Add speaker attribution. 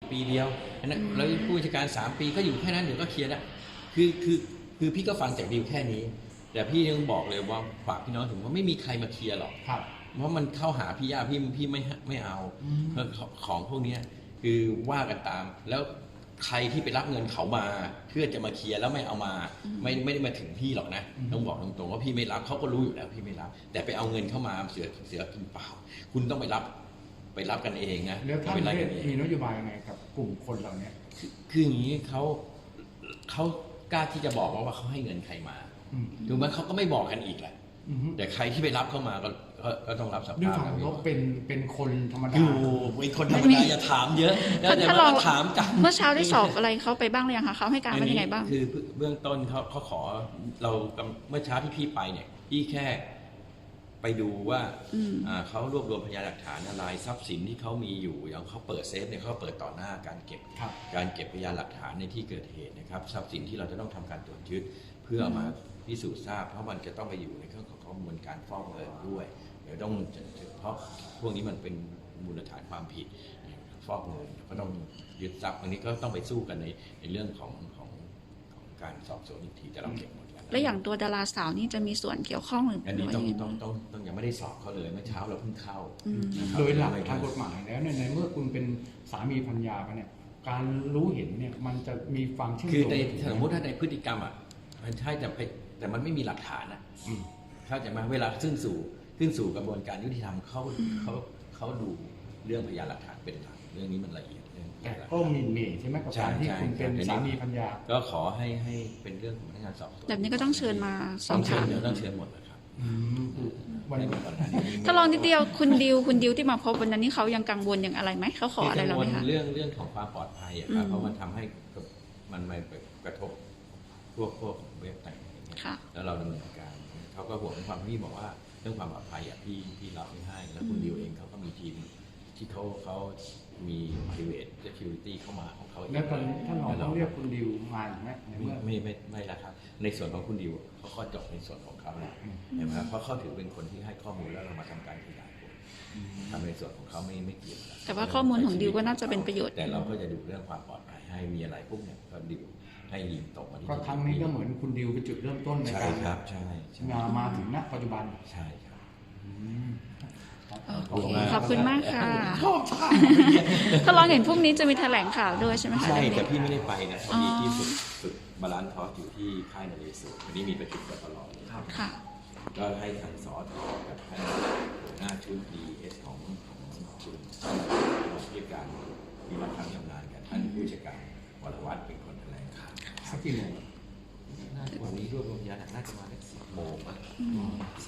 Speaker 1: ปีเดียวแล้วผู้จัดการ3 ปีก็อยู่แค่นั้นเดี๋ยวก็เคลียร์ได้คือพี่ก็ฟังจากดิวแค่นี้แต่พี่ยังบอกเลยว่าฝากพี่น้องถึงว่าไม่มีใครมาเคลียร์หรอกเพราะมันเข้าหาพี่ยากพี่ไม่เอาของพวกนี้คือว่ากันตามแล้วใครที่ไปรับเงินเขามาเพื่อจะมาเคลียร์แล้วไม่เอามาไม่ได้มาถึงพี่หรอกนะต้องบอกตรงๆว่าพี่ไม่รับเขาก็รู้อยู่แล้วพี่ไม่รับแต่ไปเอาเงินเข้ามาเสือกินเปล่าคุณต้องไปรับกันเองนะ
Speaker 2: แล้วท่านมีนโยบายยังไงกับกลุ่มคนเหล่านี้
Speaker 1: คืออย่างนี้เขากล้าที่จะบอกว่าเขาให้เงินใครมาถูกไหมเขาก็ไม่บอกกันอีกแหละแต่ใครที่ไปรับเข้ามาก็ต้องรับสภาพ
Speaker 2: ด้วยความเขาเป็นคนธรรมดา
Speaker 1: เป็นคนธรรมดาอย่าถามเยอะแต่ว่าถามกัน
Speaker 3: เมื่อเช้าได้สอบอะไรเขาไปบ้างหรือยังคะเขาให้การว่ายังไงบ้าง
Speaker 1: คือเบื้องต้นเขาขอเราเมื่อเช้าที่พี่ไปเนี่ยพี่แค่ไปดูว่าเขารวบรวมพยานหลักฐานอะไรทรัพย์สินที่เขามีอยู่อย่างเขาเปิดเซฟเนี่ยเขาเปิดต่อหน้าการเก็บพยานหลักฐานในที่เกิดเหตุนะครับทรัพย์สินที่เราจะต้องทำการตรวจยึดเพื่อมาพิสูจน์ทราบเพราะมันจะต้องไปอยู่ในเครื่องของกระบวนการฟอกเงินด้วยเดี๋ยวต้องเพราะพวกนี้มันเป็นมูลฐานความผิดฟอกเงินก็ต้องยึดทรัพย์อันนี้ก็ต้องไปสู้กันในเรื่องของการสอบสวนอีกทีแต่เราเก็บหมด
Speaker 3: แล้วอย่างตัวดาราสาวนี่จะมีส่วนเกี่ยวข้องหรือ
Speaker 1: อันนี้ต้องยังไม่ได้สอบเขาเลยเมื่อเช้าเราเพิ่งเข้า
Speaker 2: โดยหลักทางกฎหมายแล้วในเมื่อคุณเป็นสามีภรรยากันเนี่ยการรู้เห็นเนี่ยมันจะมีความเชื่อมโยง
Speaker 1: คือในสมมติถ้าในพฤติกรรมมันใช่แต่มันไม่มีหลักฐานนะเข้าใจไหมเวลาขึ้นสู่กระบวนการยุติธรรมเขาดูเรื่องพยานหลักฐานเป็นหลักเรื่องนี้มันละเอียด
Speaker 2: แต่ก็มีใช่ไหมกับการที่คุณเป็นสามีภรรยา
Speaker 1: ก็ขอให้เป็นเรื่องของพนักงานสอบสวน
Speaker 3: แบบนี้ก็ต้องเชิญมาสอบถาม
Speaker 1: ต้องเชิญหมดนะครับ
Speaker 3: ถ้าลองนิดเดียวคุณดิวที่มาพบวันนั้นนี่เขายังกังวลอย่างอะไรไหมเขาขออะไรเราไหมคะ
Speaker 1: เรื่องของความปลอดภัยครับเพราะมันทำให้มันไม่กระทบพวกเว็บต่างๆแล้วเราดำเนินการเขาก็ห่วงความพี่บอกว่าเรื่องความปลอดภัยพี่เราไม่ให้แล้วคุณดิวเองเขาก็มีทีมที่เขามี private security เข้ามาของเขา
Speaker 2: แล้วตอนนี้ท่านรองต้องเรียกคุณดิวมาไหม
Speaker 1: ไม่ละครับในส่วนของคุณดิวเขาก็จบในส่วนของเขาแล้วเห็นไหมเพราะเขาถือเป็นคนที่ให้ข้อมูลแล้วเรามาทำการขยายผลทำในส่วนของเขาไม่เกี่ยว
Speaker 3: แต่ว่าข้อมูลของดิวก็น่าจะเป็นประโยชน์
Speaker 1: แต่เราก็จะดูเรื่องความปลอดภัยให้มีอะไรพวกเนี่ยก็ดิวให้ยิงตกมาที่
Speaker 2: ก็ครั้งนี้ก็เหมือนคุณดิวเป็นจุดเริ่มต้นในการมาถึงณปัจจุบัน
Speaker 1: ใช่ครับ
Speaker 3: ขอบคุณมากค่ะถ้าลองเห็นพรุ่งนี้จะมีแถลงข่าวด้วยใช่ไหมคะ
Speaker 1: ใช่แต่พี่ไม่ได้ไปนะพอดีที่ฝึกบาลานซ์ทอสอยู่ที่ค่ายนเรศวรวันนี้มีประชุมกันตลอด
Speaker 3: ค่ะ
Speaker 1: ก็ให้ทางสอทกับท่านหัวหน้าชุด DS ของคุณผู้จัดการมีมาทำงานกันท่านผู้จัดการวรวัฒน์เป็นคนแถลงข่าว
Speaker 2: สักกี่โมง
Speaker 1: วันนี้รวบรวมพยานหลักฐานน่าจะมาได้10 โมง